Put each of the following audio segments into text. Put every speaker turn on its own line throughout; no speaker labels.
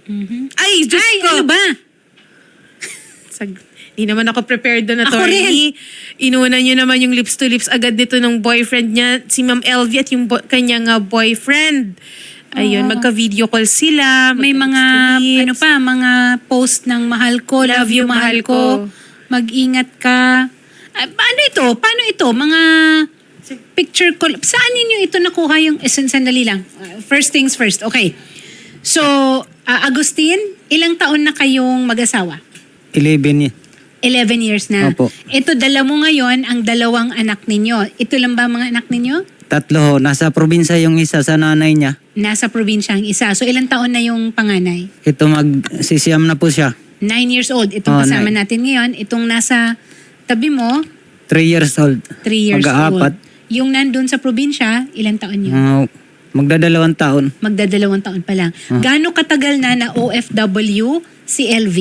Ay, Diyos ko!
Ano ba?
Di naman ako prepared doon,
Ako
attorney. Inuuna niyo naman yung lips to lips agad dito ng boyfriend niya, si Ma'am LV at yung kanyang boyfriend. Ayun, magka-video call sila.
May mga, ano pa, mga post ng mahal ko, love you, mahal ko. Mag-ingat ka. Paano ito? Paano ito? Mga picture call. Saan ninyo ito nakuha yung, sandali lang. First things first. Okay. So, Agustin, ilang taon na kayong mag-asawa?
11
11 years na.
Opo.
Ito, dala mo ngayon ang dalawang anak ninyo. Ito lang ba mga anak ninyo?
3 ho. Nasa probinsya yung isa sa nanay niya.
Nasa probinsya ang isa. So, ilang taon na yung panganay?
Ito magsisiyam na po siya.
9 years old. Itong kasama natin ngayon. Itong nasa tabi mo,
3 years old.
3 years
Mag-aapat.
old. Yung nandun sa probinsya, ilang taon yun?
Magdadalawang taon.
Magdadalawang taon pa lang. Gaano katagal na OFW si LV?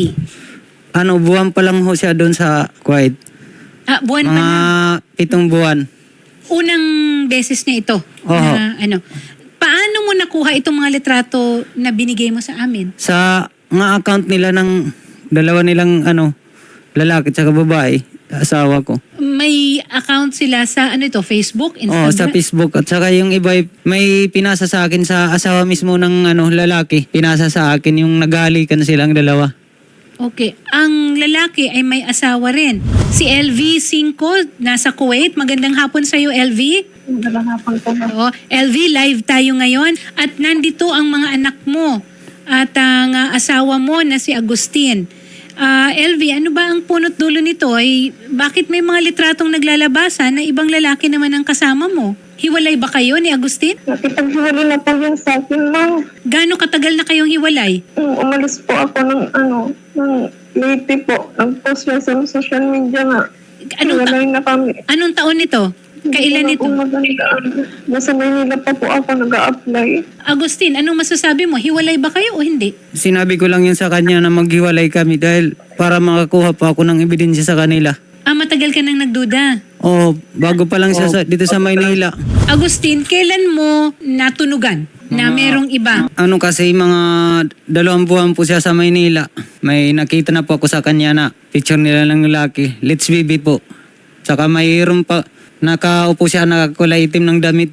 Buwan pa lang ho siya doon sa Kuwait.
Buwan pa
Mga
lang.
7 buwan.
Unang beses niya ito.
Oo.
Na, paano mo nakuha itong mga litrato na binigay mo sa amin?
Sa mga account nila ng dalawa nilang lalaki at babae, asawa ko.
May account sila sa Facebook,
Oo,
Instagram?
sa Facebook. At saka yung iba, may pinasa sa akin sa asawa mismo ng lalaki. Pinasa sa akin yung naghalikan silang dalawa.
Okay. Ang lalaki ay may asawa rin. Si LV Cinco, nasa Kuwait. Magandang hapon sa iyo, LV.
Magandang hapon po.
Oo. LV, live tayo ngayon. At nandito ang mga anak mo at ang asawa mo na si Agustin. LV, ano ba ang punot dulo nito? Ay, bakit may mga litratong naglalabasan na ibang lalaki naman ang kasama mo? Hiwalay ba kayo ni Agustin?
Nakipaghiwalay na po yun sa akin, ma'am.
Gaano katagal na kayong hiwalay?
Umalis po ako ng Leyte po. Nag-post niya sa social media nga. Hiwalay na kami.
Anong taon nito? Kailan
Hindi
ito?
ko magandaan. Nasa Maynila pa po ako nag-a-apply.
Agustin, anong masasabi mo? Hiwalay ba kayo o hindi?
Sinabi ko lang yun sa kanya na maghiwalay kami dahil para makakuha pa ako ng ebidensya sa kanila.
Matagal ka nang nagduda.
Oo, bago pa lang siya dito sa Maynila.
Agustin, kailan mo natunugan na merong iba?
Kasi mga 2 buwan po siya sa Maynila. May nakita na po ako sa kanya na picture nila ng lalaki. Let's baby po. Saka mayroon pa, nakaupo siya nakakulay itim ng damit.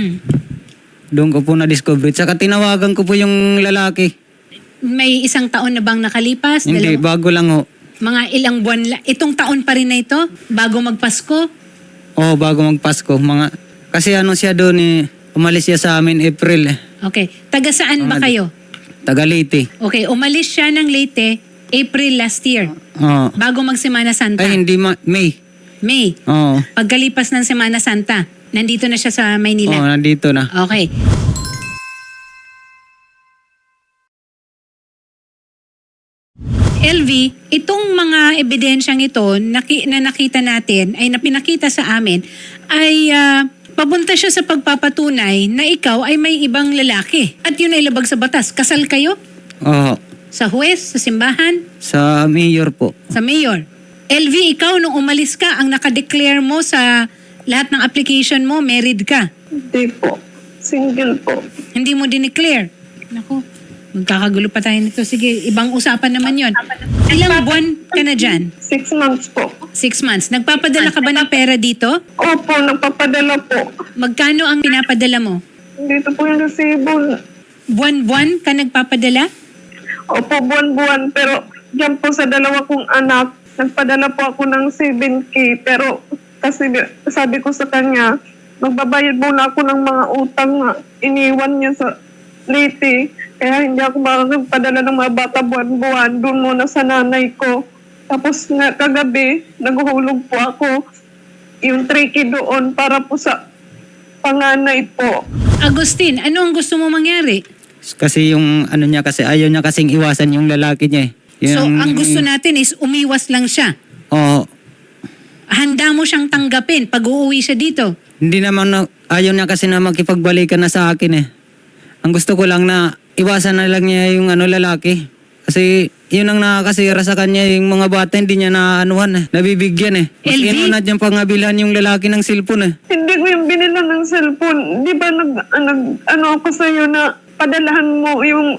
Doon ko po na-discover. Saka tinawagan ko po yung lalaki.
May 1 taon na bang nakalipas?
Hindi, bago lang ho.
Mga ilang buwan itong taon pa rin na ito? Bago magpasko?
Oo, bago magpasko. Kasi siya doon umalis siya sa amin April.
Okay. Taga saan ba kayo?
Taga Leyte.
Okay, umalis siya ng Leyte April last year.
Oo.
Bago mag-Semana Santa.
Ay, hindi May.
May.
Oo.
Pagkalipas ng Semana Santa, nandito na siya sa
Oo,
Maynila.
nandito na.
Okay. LV, itong mga ebidensyang ito na nakita natin, ay napinakita sa amin, ay papunta siya sa pagpapatunay na ikaw ay may ibang lalaki. At yun ay labag sa batas. Kasal kayo?
Oo.
Sa huwes? Sa simbahan?
Sa mayor po.
Sa mayor? LV, ikaw nung umalis ka, ang nakadeclare mo sa lahat ng application mo, married ka.
Hindi po. Single po.
Hindi mo dineclare. Naku, magkakagulo pa tayo nito. Sige, ibang usapan naman yon. Ilang buwan ka na dyan?
6 months po.
6 months. Nagpapadala ka ba ng pera dito?
Opo, nagpapadala po.
Magkano ang pinapadala mo?
Dito po yung resibo.
Buwan-buwan ka nagpapadala?
Opo, buwan-buwan. Pero dyan po sa 2 kong anak, nagpadala po ako ng 7K. Pero kasi sabi ko sa kanya, magbabayad muna ako ng mga utang na iniwan niya sa Leyte. Kaya hindi ako makakagpadala ng mga bata buwan-buwan. Doon muna sa nanay ko. Tapos kagabi, naghuhulog po ako yung 3K doon para po sa panganay po.
Agustin, ano ang gusto mo mangyari?
Kasi yung niya kasi ayaw niya kasing iwasan yung lalaki niya.
So, ang gusto natin is umiwas lang siya.
Oo.
Handa mo siyang tanggapin pag uuwi siya dito.
Hindi naman ayaw niya kasi na makipagbalikan na sa akin . Ang gusto ko lang na iwasan na lang niya yung lalaki. Kasi yun ang nakakasira sa kanya, yung mga bata hindi niya nabibigyan . Mas
LV?
inunad niyang pangabilhan yung lalaki ng cellphone .
Hindi ko yung binila ng cellphone. Di ba ako sa'yo na padalahan mo yung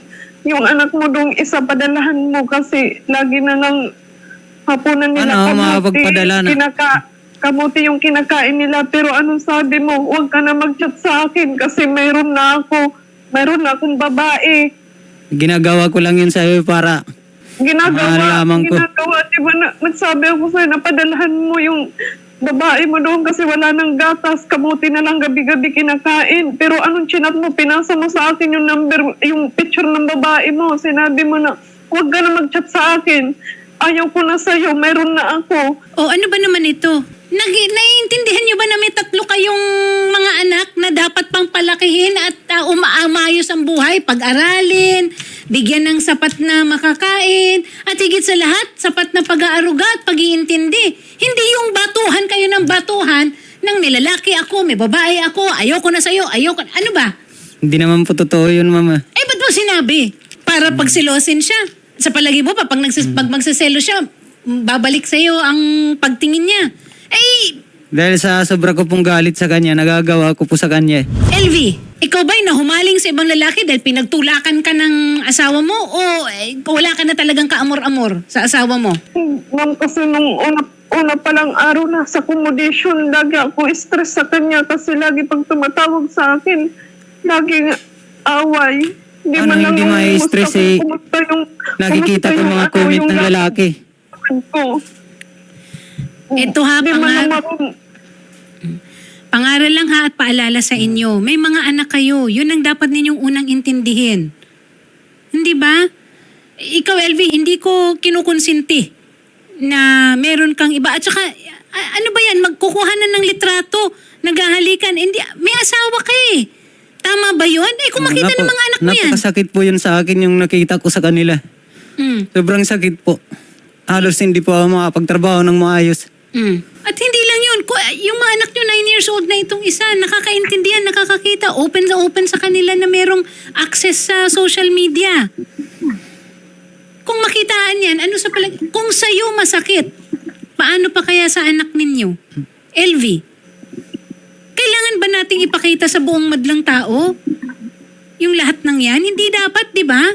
yung anak mo dong isa padalahan mo kasi lagi na lang hapunan nila
Ano, makapagpadala na.
kamuti yung kinakain nila. Pero anong sabi mo? Huwag ka na mag-chat sa akin kasi mayroon na akong babae.
Ginagawa ko lang yun sa'yo para malaman ko.
Di ba nagsabi ako sa'yo na padalahan mo yung babae mo doon kasi wala nang gatas, kamuti na lang gabi-gabi kinakain. Pero anong chinat mo? Pinasa mo sa akin yung number, yung picture ng babae mo. Sinabi mo na, huwag ka na mag-chat sa akin. Ayaw ko na sa'yo, mayroon na ako.
O ano ba naman ito? Naiintindihan niyo ba na may 3 kayong mga anak na dapat pang palakihin at umaayos ang buhay, pag-aralin, bigyan ng sapat na makakain, at higit sa lahat, sapat na pag-aaruga at pag-iintindi. Hindi yung batuhan kayo ng batuhan ng nilalaki ako, may babae ako, ayoko na sa'yo, ayoko. Ano ba?
Hindi naman po totoo yun, mama.
Eh, ba't mo sinabi? Para pagsilosin siya. Sa palagi mo pa, pag magsaselo siya, babalik sa'yo ang pagtingin niya. Eh,
Dahil sa sobra ko pong galit sa kanya, nagagawa ko po sa kanya.
LV, ikaw ba'y nahumaling sa ibang lalaki dahil pinagtulakan ka ng asawa mo o wala ka na talagang kaamor-amor sa asawa mo?
Ma'am, kasi nung una palang araw na sa accommodation, lagi ako stress sa kanya kasi lagi pag tumatawag sa akin, laging away.
Ano, hindi ma-stress eh. Nakikita ko mga comment ng lalaki.
Ito ha, pangaral lang ha at paalala sa inyo. May mga anak kayo. Yun ang dapat ninyong unang intindihin. Hindi ba? Ikaw, LV, hindi ko kinukonsinti na meron kang iba. At saka, ano ba yan? Magkukuhanan ng litrato, naghahalikan. Hindi, may asawa ka eh. Tama ba yun? Eh, kung makita ng mga anak mo yan.
Napakasakit po yun sa akin yung nakita ko sa kanila. Sobrang sakit po. Halos hindi po ako makapagtrabaho ng maayos.
At hindi lang yun. Yung mga anak nyo, 9 years old na itong isa, nakakaintindihan, nakakakita, open sa kanila na merong access sa social media. Kung makitaan yan, ano sa kung sa'yo masakit, paano pa kaya sa anak ninyo? LV, kailangan ba nating ipakita sa buong madlang tao yung lahat ng yan? Hindi dapat, di ba?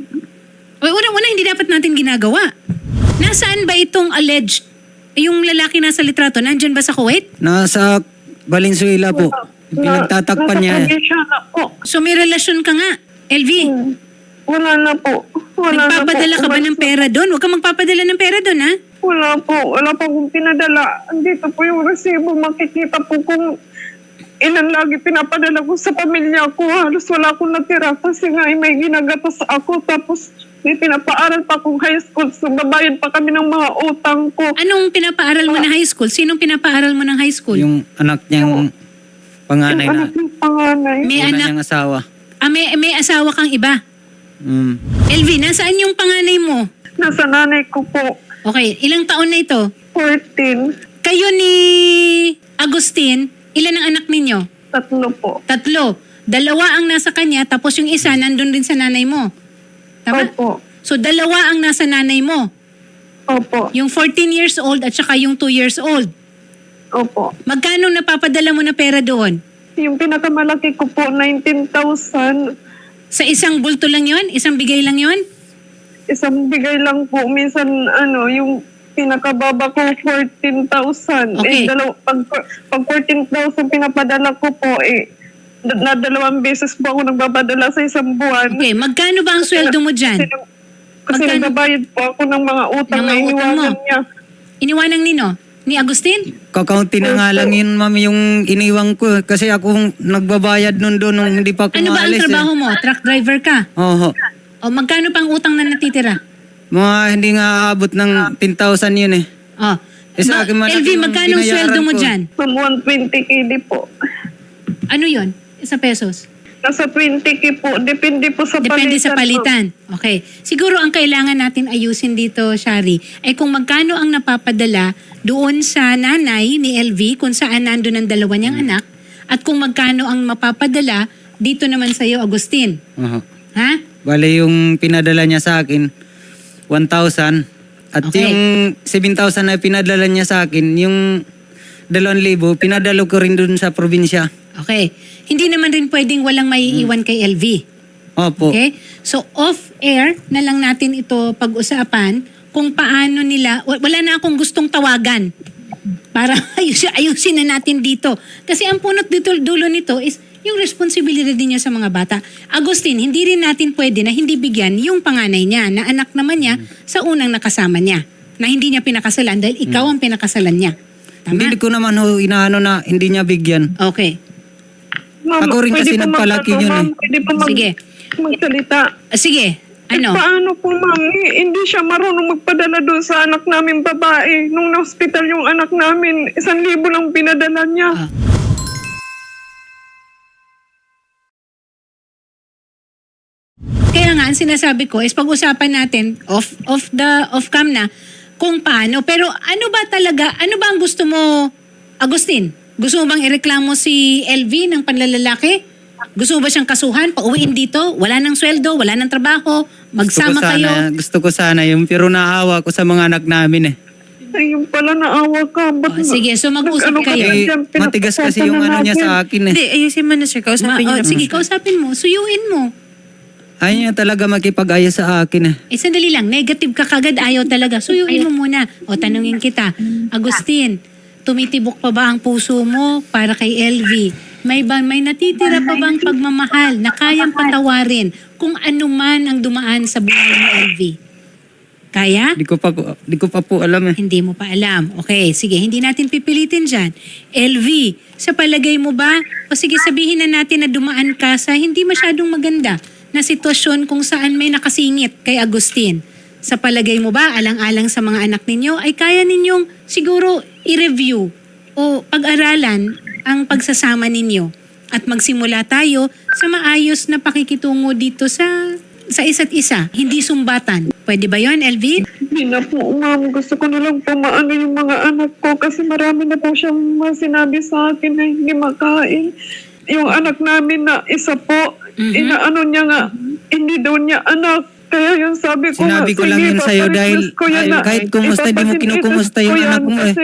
Una, hindi dapat natin ginagawa. Nasaan ba itong alleged? Yung lalaki nasa litrato, nandyan ba sa Kuwait?
Nasa Valenzuela po. Pinagtatakpan niya.
So may relasyon ka nga, LV.
Wala na po.
Nagpapadala ka ba ng pera doon? Huwag ka magpapadala ng pera doon, ha?
Wala po. Wala pa akong pinadala. Andito po yung resibo. Makikita po kung ilan lagi pinapadala ko sa pamilya ko. Halos wala akong natira kasi nga may ginagatas ako. Tapos may pinapaaral pa akong high school. So babayad pa kami ng mga utang ko.
Anong pinapaaral mo na high school? Sinong pinapaaral mo ng high school?
Yung anak niyang panganay
Yung
na.
anak ng panganay.
May
Una
anak.
niyang asawa.
May asawa kang iba. LV, nasaan yung panganay mo?
Nasa nanay ko po.
Okay, ilang taon na ito?
14.
Kayo ni Agustin, ilan ang anak ninyo?
3 po.
3. 2 ang nasa kanya, tapos yung isa nandun din sa nanay mo. Tama?
Opo.
So 2 ang nasa nanay mo.
Opo.
Yung 14 years old at saka yung 2 years old.
Opo.
Magkano napapadala mo na pera doon?
Yung pinakamalaki ko po, 19,000.
Sa isang bulto lang yon? Isang bigay lang yon?
Isang bigay lang po. Minsan, yung pinakababa ko, 14,000.
Okay.
Pag 14,000 pinapadala ko po, na 2 beses po ako nagbapadala sa isang buwan.
Okay, magkano ba ang sweldo mo dyan?
Kasi
Magkano?
nagbabayad po ako ng mga utang
Ng
na
mga utang mo?
iniwanan niya.
Iniwanang nino? Ni Agustin?
Kakaunti na nga lang yun, mami, yung iniwang ko. Kasi ako nagbabayad nun doon nung hindi pa ako
Ano ba ang
maalis.
trabaho mo? Truck driver ka?
Oho.
O magkano pang utang na natitira?
Mga hindi nga aabot ng 10,000 yun eh.
O.
Sa akin malaki
LV,
yung
magkano ang
binayaran
sweldo mo
ko.
dyan?
From 120k di po.
Ano yon? Sa pesos?
Nasa 20k po. Depende po sa
Depende sa
palitan.
palitan. Okay. Siguro ang kailangan natin ayusin dito, Shari, ay kung magkano ang napapadala doon sa nanay ni LV kung saan nandun ang 2 niyang anak at kung magkano ang mapapadala dito naman sa iyo, Agustin.
Oho.
Ha?
Bale yung pinadala niya sa akin, 1,000. At
Okay.
yung 7,000 na pinadala niya sa akin, yung 2,000, pinadalo ko rin dun sa probinsya.
Okay. Hindi naman rin pwedeng walang maiiwan kay LV.
Opo.
Okay? So off-air na lang natin ito pag-usapan kung paano nila, wala na akong gustong tawagan para ayusin na natin dito. Kasi ang punot dito, dulo nito is yung responsibilidad din niya sa mga bata. Agustin, hindi rin natin pwede na hindi bigyan yung panganay niya na anak naman niya sa unang nakasama niya na hindi niya pinakasalan dahil ikaw ang pinakasalan niya. Tama?
Hindi ko naman inaano na hindi niya bigyan.
Okay.
Ma'am,
Ako rin kasi
pwede po
nagpalaki
magtanong,
yun
ma'am. Pwede po
Sige.
magsalita.
Sige. Ano?
Paano po, ma'am? Hindi siya marunong magpadala doon sa anak namin babae. Nung na-hospital yung anak namin, 1,000 lang pinadala niya.
Ah. Kaya nga, ang sinasabi ko is pag-usapan natin off cam na kung paano. Pero ano ba talaga, ano ba ang gusto mo, Agustin? Gusto mo bang ireklamo si LV ng panlalalaki? Gusto mo ba siyang kasuhan, pauwiin dito? Wala nang sweldo, wala nang trabaho, magsama kayo?
Gusto ko sana yung pero naawa ko sa mga anak namin eh.
Ay, yung pala naawa ka. Ba't
Sige, so mag-usap
nag-ano ka
kayo.
na
Eh,
dyan?
matigas kasi yung ano niya sa akin eh.
Hindi, ayusin mo na sir. Kausapin niyo na po
Sige,
siya.
kausapin mo, suyuin mo.
Ayaw niya talaga makipag-ayos sa akin eh.
Sandali lang, negative ka kagad, ayaw talaga. Suyuin mo muna. O, tanungin kita, Agustin, tumitibok pa ba ang puso mo para kay LV? May natitira pa bang pagmamahal na kayang patawarin kung ano man ang dumaan sa buhay mo, LV? Kaya?
Di ko pa po alam eh.
Hindi mo pa alam. Okay, sige, hindi natin pipilitin dyan. LV, sa palagay mo ba, o sige sabihin na natin na dumaan ka sa hindi masyadong maganda na sitwasyon kung saan may nakasingit kay Agustin. Sa palagay mo ba, alang-alang sa mga anak ninyo, ay kaya ninyong siguro i-review o pag-aralan ang pagsasama ninyo at magsimula tayo sa maayos na pakikitungo dito sa isa't isa, hindi sumbatan. Pwede ba yon, LV?
Hindi na po, ma'am. Gusto ko na lang po maano yung mga anak ko kasi marami na po siyang sinabi sa akin na hindi makain. Yung anak namin na isa po, inaano niya nga, hindi daw niya anak. Kaya yung sabi ko
Sinabi ko lang yun sa'yo dahil kahit kumusta di mo kinukumusta yung anak mo eh.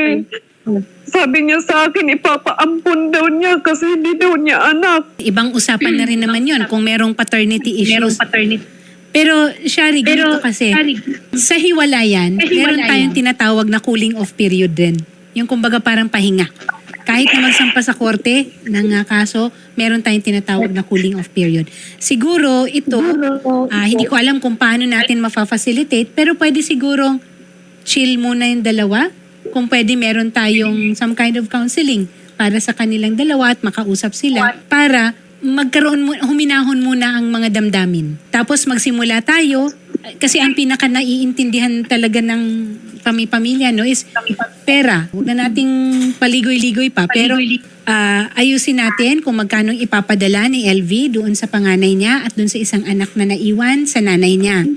Sabi niya sa akin, ipapaampun daw niya kasi hindi daw niya anak.
Ibang usapan na rin naman yon kung merong paternity issues. Pero, Shari, ganito kasi, sa hiwalayan, meron tayong tinatawag na cooling off period din. Yung kumbaga parang pahinga. Kahit na magsampa sa korte ng kaso, meron tayong tinatawag na cooling off period. Siguro ito, hindi ko alam kung paano natin mafa-facilitate, pero pwede sigurong chill muna yung dalawa. Kung pwede meron tayong some kind of counseling para sa kanilang dalawa at makausap sila para huminahon muna ang mga damdamin. Tapos magsimula tayo kasi ang pinaka naiintindihan talaga ng pamilya no is pera. Huwag na nating paligoy-ligoy pa. Pero ayusin natin kung magkano ipapadala ni LV doon sa panganay niya at doon sa isang anak na naiwan sa nanay niya.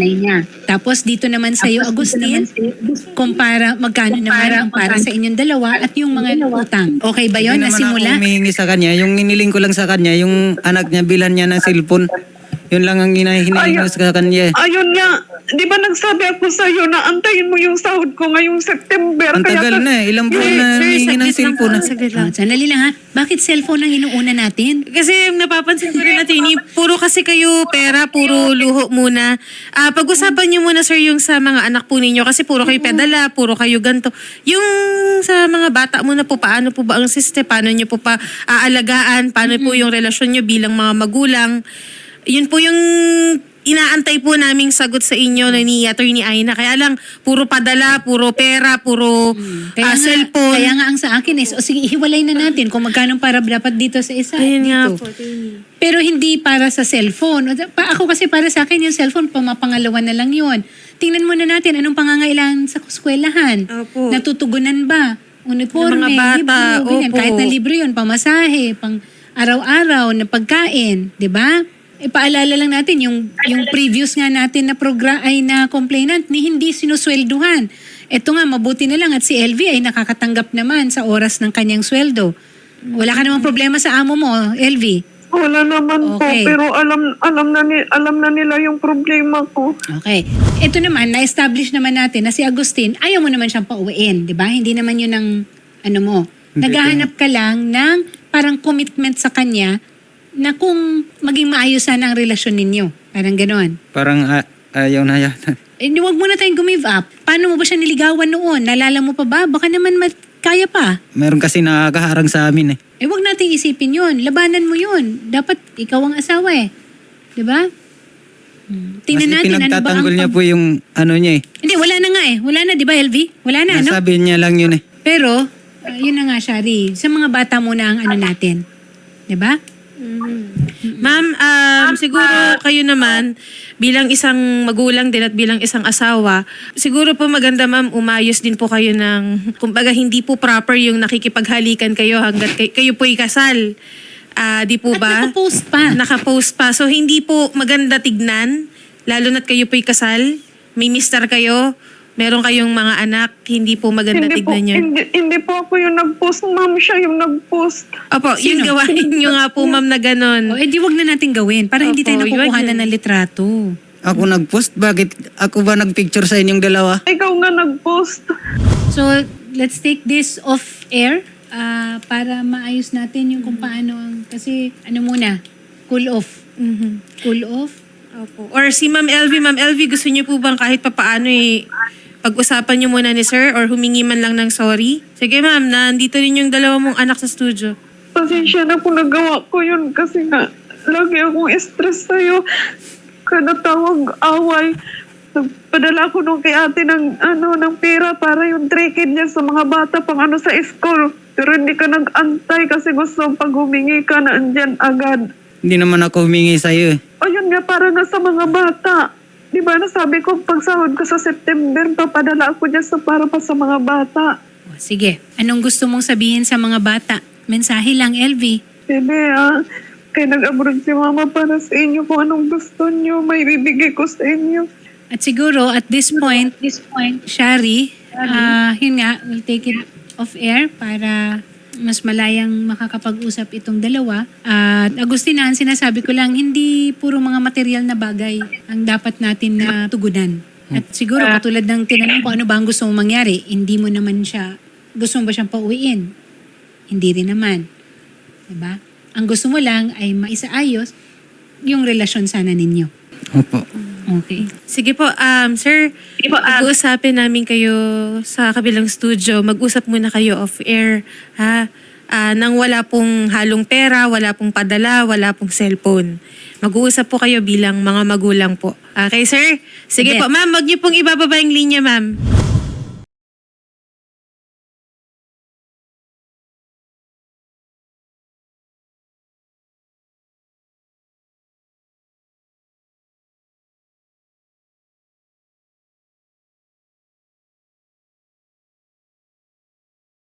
Tapos dito naman sa iyo, Agustin, kung magkano naman ang para sa inyong dalawa at yung mga utang. Okay ba yun?
Hindi naman
Nasimula?
ako humihingi sa kanya. Yung iniling ko lang sa kanya, yung anak niya bilan niya ng cellphone. Yun lang ang hinahingi ko sa kanya.
Ayun nga, di ba nagsabi ako sa iyo na antayin mo yung sahod ko ngayong September.
Ang tagal na eh. Ilang buwan na humihingi ng cellphone.
Saglit lang.
Sandali lang ha. Bakit cellphone ang inuuna natin?
Kasi napapansin ko rin natin, puro kasi kayo pera, puro luho muna. Pag-usapan niyo muna sir yung sa mga anak po ninyo kasi puro kayo pedala, puro kayo ganto. Yung sa mga bata muna po, paano po ba ang system, paano niyo po pa aalagaan, paano po yung relasyon niyo bilang mga magulang. Yun po yung inaantay po naming sagot sa inyo ni Attorney Aina. Kaya lang, puro padala, puro pera, puro cellphone.
Kaya nga ang sa akin is, sige, ihiwalay na natin kung magkano para dapat dito sa isa.
Ayun nga
dito.
po.
Pero hindi para sa cellphone. Ako kasi para sa akin yung cellphone, pamapangalawa na lang yun. Tingnan muna natin anong pangangailangan sa eskwelahan.
Opo.
Natutugunan ba? Uniforme,
Ng mga bata,
libro, ganyan.
opo.
Kahit na libro yun, pamasahe, pang araw-araw na pagkain, di ba? Ipaalala lang natin yung previous nga natin na na complainant ni hindi sinuswelduhan. Ito nga, mabuti na lang at si LV ay nakakatanggap naman sa oras ng kanyang sweldo. Wala ka namang problema sa amo mo, LV.
Wala naman
Okay.
po, pero alam na nila yung problema ko.
Okay. Ito naman, na-establish naman natin na si Agustin, ayaw mo naman siyang pauwiin, di ba? Hindi naman yun ang, ano mo.
Hindi
Naghahanap ka lang ng parang commitment sa kanya na kung maging maayos sana ang relasyon ninyo. Parang ganon.
Parang ayaw na yata.
Eh, huwag mo na tayong gumive up. Paano mo ba siya niligawan noon? Nalala mo pa ba? Baka naman kaya pa.
Meron kasi nakakaharang sa amin eh.
Eh, huwag nating isipin yun. Labanan mo yun. Dapat ikaw ang asawa eh. Diba? Tingnan
Kasi
natin ano ba ang...
pinagtatanggol niya po yung ano niya eh.
Hindi, wala na nga eh. Wala na, di ba, LV? Wala na, no?
Nasabi niya lang yun eh.
Pero, yun na nga, Shari. Sa mga bata muna ang ano natin. Diba?
Ma'am, siguro kayo naman, bilang isang magulang din at bilang isang asawa, siguro po maganda ma'am, umayos din po kayo ng, kumbaga hindi po proper yung nakikipaghalikan kayo hanggat kayo po'y kasal. Di po
At
ba?
nakapost pa.
Nakapost pa. So hindi po maganda tignan, lalo na't kayo po'y kasal, may mister kayo, meron kayong mga anak, hindi po maganda
Hindi po,
tignan yun.
hindi po ako yung nag-post, ma'am. Siya yung nag-post.
Opo,
Sino?
yung gawain nyo nga po ma'am na ganon.
O, edi wag na natin gawin para hindi tayo
Opo,
nakukuhanan
yun.
ng litrato.
Ako nag-post, bakit ako ba nag-picture sa inyong dalawa?
Ikaw nga nag-post.
So, let's take this off air para maayos natin yung kung paano ang... Kasi, ano muna, cool off.
Mhm.
Cool off.
Opo. Or si Ma'am LV, gusto niyo po bang kahit papaano pag-usapan niyo muna ni sir or humingi man lang ng sorry? Sige ma'am, nandito rin yung dalawa mong anak sa studio.
Pasensya na kung nagawa ko yun kasi nga lagi akong stress sa'yo. Kada tawag away. Nagpadala ko nung kay ate ng pera para yung trekid niya sa mga bata pang sa school. Pero hindi ka nag-antay kasi gusto pag humingi ka na andyan agad.
Hindi naman ako humingi sa iyo eh.
O yun nga, para nga sa mga bata. Di ba nasabi ko pag sahod ko sa September, papadala ako dyan para pa sa mga bata.
O, sige, anong gusto mong sabihin sa mga bata? Mensahe lang, LV.
Bebe, kaya nag-abroad si mama para sa inyo kung anong gusto niyo, may bibigay ko sa inyo.
At siguro, at this point, Shari, yun nga, we'll take it off air para mas malayang makakapag-usap itong dalawa. At Agustina, ang sinasabi ko lang, hindi puro mga material na bagay ang dapat natin na tugunan. At siguro, katulad ng tinanong ko, ano ba ang gusto mong mangyari? Hindi mo naman siya, gusto mo ba siyang pauwiin? Hindi rin naman. Diba? Ang gusto mo lang ay maisaayos yung relasyon sana ninyo.
Opo.
Okay.
Sige po, sir, pag-uusapin namin kayo sa kabilang studio. Mag-usap muna kayo off-air, ha? Nang wala pong halong pera, wala pong padala, wala pong cellphone. Mag-uusap po kayo bilang mga magulang po. Okay, sir? Sige
Sige.
po, ma'am, wag niyo pong ibababa yung linya, ma'am.